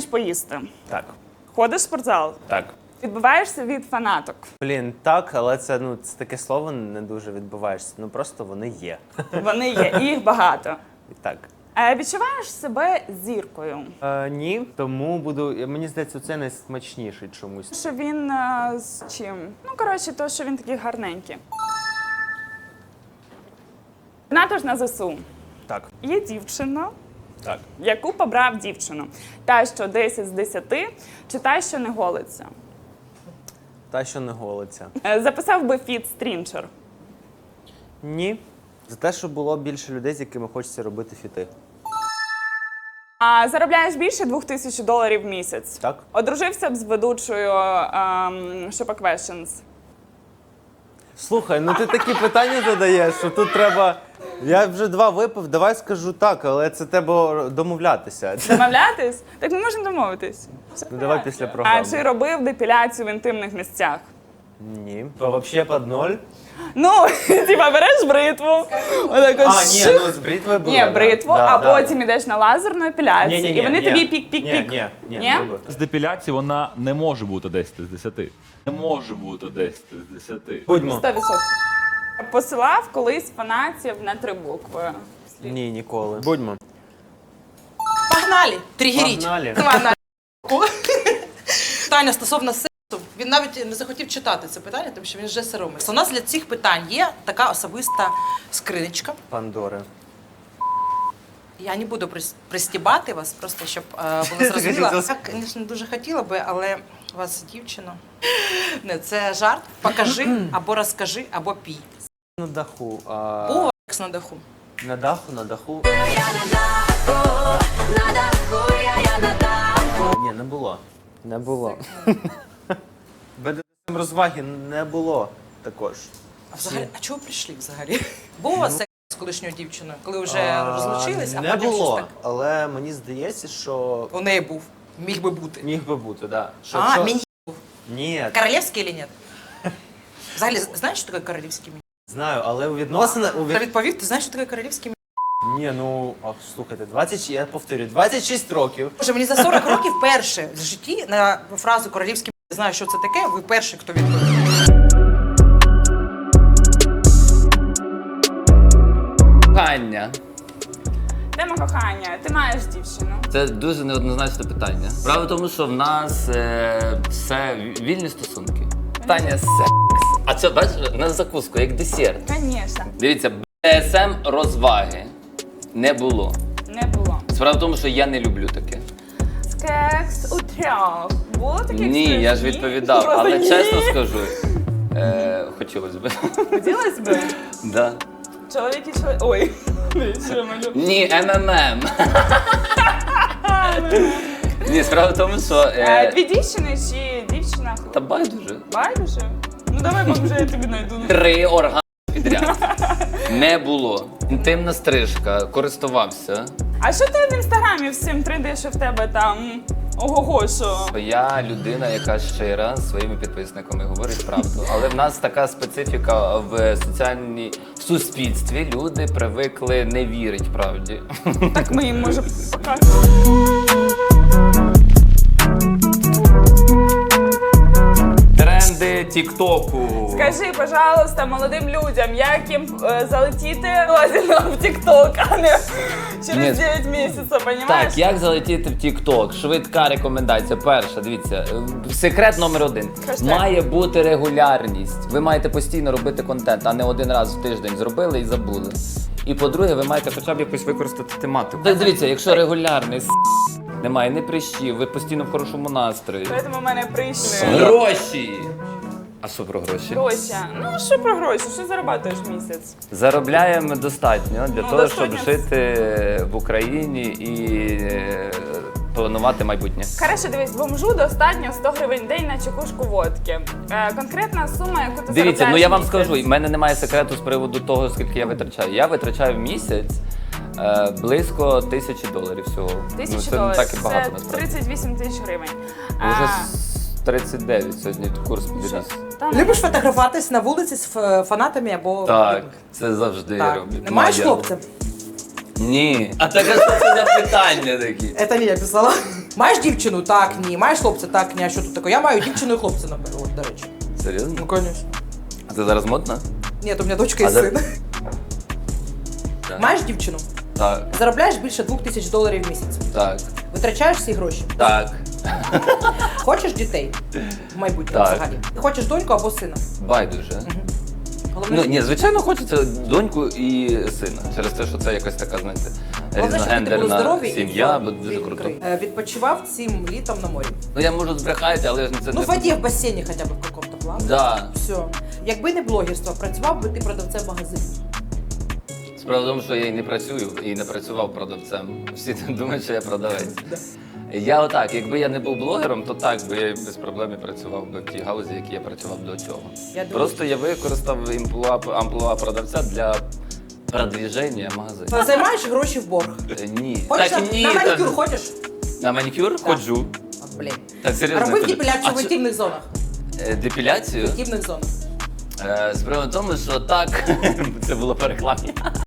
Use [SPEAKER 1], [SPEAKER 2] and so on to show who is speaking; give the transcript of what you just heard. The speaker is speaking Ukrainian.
[SPEAKER 1] поїсти.
[SPEAKER 2] Так.
[SPEAKER 1] Ходиш в спортзал.
[SPEAKER 2] Так.
[SPEAKER 1] Відбиваєшся від фанаток.
[SPEAKER 2] Блін, так, але це таке слово не дуже відбуваєшся. Просто вони є.
[SPEAKER 1] Вони є, і їх багато.
[SPEAKER 2] І так.
[SPEAKER 1] Відчуваєш себе зіркою?
[SPEAKER 2] Ні, тому мені здається, це найсмачніший чомусь.
[SPEAKER 1] Що він з чим? Ну, коротше, то, що він такий гарненький. Донатиш на ЗСУ.
[SPEAKER 2] Так.
[SPEAKER 1] Є дівчина,
[SPEAKER 2] Так.
[SPEAKER 1] яку побрав дівчину. Та, що 10 з 10, чи та, що не голиться.
[SPEAKER 2] Та, що не голиться.
[SPEAKER 1] Записав би фіт Стрінчер.
[SPEAKER 2] Ні. За те, що було більше людей, з якими хочеться робити фіти.
[SPEAKER 1] А заробляєш більше $2000 в місяць.
[SPEAKER 2] Так.
[SPEAKER 1] Одружився б з ведучою Shoppa Questions.
[SPEAKER 2] Слухай, ти такі питання задаєш, що тут треба... Я вже 2 випив, давай скажу так, але це треба домовлятися.
[SPEAKER 1] Домовлятись? Так ми можемо домовитись.
[SPEAKER 2] Давай після програми.
[SPEAKER 1] А чи робив депіляцію в інтимних місцях?
[SPEAKER 2] Ні. То взагалі під 0?
[SPEAKER 1] Ну, типа береш бритву, отако
[SPEAKER 2] з бритвою було.
[SPEAKER 1] Ні, бритву, а потім йдеш на лазерну епіляцію, і вони тобі пік-пік-пік.
[SPEAKER 2] Ні,
[SPEAKER 3] З депіляції вона не може бути 10 з 10. Не може бути 10 з 10.
[SPEAKER 2] Будьмо.
[SPEAKER 1] 100%. Посилав колись фанатів на 3 букви.
[SPEAKER 2] Ні, ніколи. Будьмо.
[SPEAKER 4] Погнали! Тригеріть.
[SPEAKER 2] Погнали.
[SPEAKER 4] Погнали. Питання стосовно сексу. Він навіть не захотів читати це питання, тому що він вже соромиться. У нас для цих питань є така особиста скриничка.
[SPEAKER 2] Пандори.
[SPEAKER 4] Я не буду пристібати вас, просто щоб було зрозуміло. Я, звісно, дуже хотіла би, але у вас дівчина. Не, це жарт. Покажи, або розкажи, або пій.
[SPEAKER 2] На даху.
[SPEAKER 4] Був секс на даху?
[SPEAKER 2] На даху. Ні, не було. Не було. БДСМ розваги не було також.
[SPEAKER 4] А взагалі, а чого прийшли взагалі? Був у вас секс з колишньою дівчиною, коли вже розлучились, а
[SPEAKER 2] не
[SPEAKER 4] потім щось
[SPEAKER 2] було,
[SPEAKER 4] так?
[SPEAKER 2] але мені здається, що
[SPEAKER 4] У неї був. Міг би бути.
[SPEAKER 2] міг би бути, так.
[SPEAKER 4] А, міні був.
[SPEAKER 2] Ні,
[SPEAKER 4] Королевський чи ні? Взагалі, знаєш, що таке королівський міні?
[SPEAKER 2] знаю, але у відносинах...
[SPEAKER 4] Та відповів, ти знаєш, що таке королівський міні?
[SPEAKER 2] Ні, слухайте, я повторюю, 26 років.
[SPEAKER 4] Боже, мені за 40 років перше в житті на фразу королівський міні, знаю, що це таке, ви перший, хто відповів.
[SPEAKER 5] Кохання.
[SPEAKER 1] Тема кохання. Ти маєш дівчину.
[SPEAKER 5] Це дуже неоднозначне питання. Справа в тому, що в нас все вільні стосунки. Питання секс. А це, бачиш, на закуску, як десерт.
[SPEAKER 1] Звісно.
[SPEAKER 5] Дивіться, БДСМ розваги не було.
[SPEAKER 1] Не було.
[SPEAKER 5] Справа в тому, що я не люблю таке.
[SPEAKER 1] Секс у 3. Було таке?
[SPEAKER 5] Ні, я ж відповідав,
[SPEAKER 1] Просто
[SPEAKER 5] але
[SPEAKER 1] ні.
[SPEAKER 5] чесно скажу, хотілося б.
[SPEAKER 1] Хотілося б?
[SPEAKER 5] Да.
[SPEAKER 1] Чоловік і чоловік. Ой. Що я малю?
[SPEAKER 5] Ні, МММ. Ні, справа в тому, що...
[SPEAKER 1] Дві дівчини чи дівчина?
[SPEAKER 5] Та байдуже.
[SPEAKER 1] Байдуже? Ну давай, може, я тобі знайду.
[SPEAKER 5] 3 органи підряд. Не було. Інтимна стрижка, користувався.
[SPEAKER 1] А що ти в інстаграмі всім трендиш, що в тебе там ого-го, що?
[SPEAKER 5] Я людина, яка щира з своїми підписниками говорить правду. Але в нас така специфіка в в суспільстві. Люди привикли не вірити правді.
[SPEAKER 1] Так ми їм може показати.
[SPEAKER 5] Тренди Тіктоку.
[SPEAKER 1] Скажи, пожалуйста, молодим людям, як їм залетіти лазерно в Тікток, а не через 9 місяців, понімаєш?
[SPEAKER 5] Так, як залетіти в Тікток? Швидка рекомендація. Перша, дивіться, секрет номер 1.
[SPEAKER 1] Хештег.
[SPEAKER 5] Має бути регулярність. Ви маєте постійно робити контент, а не один раз в тиждень зробили і забули. І по-друге, ви маєте хоча б якось використати тематику. Так дивіться, якщо регулярний немає ні прищів, ви постійно в хорошому настрої.
[SPEAKER 1] Тому в мене прийшли
[SPEAKER 5] Гроші! А що про гроші?
[SPEAKER 1] гроші. Ну, що про гроші? Що заробляєш в місяць?
[SPEAKER 5] Заробляємо достатньо для того, щоб
[SPEAKER 1] достатньо.
[SPEAKER 5] жити в Україні і планувати майбутнє.
[SPEAKER 1] Хорошо, дивись, бомжу достатньо 100 гривень в день на чекушку водки. Конкретна сума, яку ти
[SPEAKER 5] Дивіться,
[SPEAKER 1] заробляєш
[SPEAKER 5] я
[SPEAKER 1] в
[SPEAKER 5] вам
[SPEAKER 1] місяць.
[SPEAKER 5] скажу, в мене немає секрету з приводу того, скільки я витрачаю. Я витрачаю в місяць близько $1000 всього.
[SPEAKER 1] $1000.
[SPEAKER 5] Це не так і багато,
[SPEAKER 1] це
[SPEAKER 5] насправді.
[SPEAKER 1] 38 тисяч гривень.
[SPEAKER 5] Уже 39 сьогодні курс підріс.
[SPEAKER 1] Та,
[SPEAKER 4] Любиш фотографуватись на вулиці з фанатами або...
[SPEAKER 5] Так, це завжди
[SPEAKER 4] Так.
[SPEAKER 5] роблю.
[SPEAKER 4] Не маєш
[SPEAKER 5] Моя.
[SPEAKER 4] хлопця?
[SPEAKER 5] Ні. А так, а що це за питання такі?
[SPEAKER 4] Це не я писала. Маєш дівчину? Так, ні. Маєш хлопця? Так, ні. А що тут таке? Я маю дівчину і хлопця, наприклад, до речі.
[SPEAKER 5] Серйозно?
[SPEAKER 4] Ну, конечно.
[SPEAKER 5] А це зараз модно?
[SPEAKER 4] Ні, то у мене дочка і
[SPEAKER 5] А
[SPEAKER 4] син.
[SPEAKER 5] Так.
[SPEAKER 4] Маєш дівчину?
[SPEAKER 5] Так,
[SPEAKER 4] Заробляєш більше $2000 в місяць.
[SPEAKER 5] так,
[SPEAKER 4] Витрачаєш всі гроші.
[SPEAKER 5] так.
[SPEAKER 4] Хочеш дітей в майбутньому
[SPEAKER 5] Так.
[SPEAKER 4] взагалі? Ти хочеш доньку або сина?
[SPEAKER 5] Байдуже.
[SPEAKER 4] Головне,
[SPEAKER 5] Ну, ні, звичайно, хочеться доньку і сина. Через те, що це якась така, знаєте,
[SPEAKER 4] головне, щоб діти були здорові
[SPEAKER 5] різногендерна
[SPEAKER 4] і
[SPEAKER 5] сім'я,
[SPEAKER 4] в-
[SPEAKER 5] буде дуже
[SPEAKER 4] в-
[SPEAKER 5] круто.
[SPEAKER 4] Відпочивав цим літом на морі.
[SPEAKER 5] Ну я можу збрехати, але це
[SPEAKER 4] Ну,
[SPEAKER 5] не...
[SPEAKER 4] в воді, в басейні хоча б в какому-то плані.
[SPEAKER 5] Да.
[SPEAKER 4] Все. Якби не блогерство, працював би ти продавцем в магазині.
[SPEAKER 5] Справа в тому, що я і не працюю, і не працював продавцем. Всі думають, що я продавець. Я отак, якби я не був блогером, то так би я без проблем і працював би в тій галузі, які я працював до цього.
[SPEAKER 4] Я думаю,
[SPEAKER 5] Просто я використав амплуа продавця для продвіження магазину.
[SPEAKER 4] Займаєш гроші в борг.
[SPEAKER 5] Ні.
[SPEAKER 4] Ходиш
[SPEAKER 5] Так, ні,
[SPEAKER 4] на
[SPEAKER 5] та-
[SPEAKER 4] манікюр ходиш?
[SPEAKER 5] На манікюр ходжу.
[SPEAKER 4] От, блін.
[SPEAKER 5] Так, серйозно.
[SPEAKER 4] Робив
[SPEAKER 5] ходжу.
[SPEAKER 4] депіляцію
[SPEAKER 5] А
[SPEAKER 4] в
[SPEAKER 5] що-
[SPEAKER 4] інтимних зонах.
[SPEAKER 5] Депіляцію?
[SPEAKER 4] В інтимних зонах.
[SPEAKER 5] Справа в тому, що так, це було по рекламі.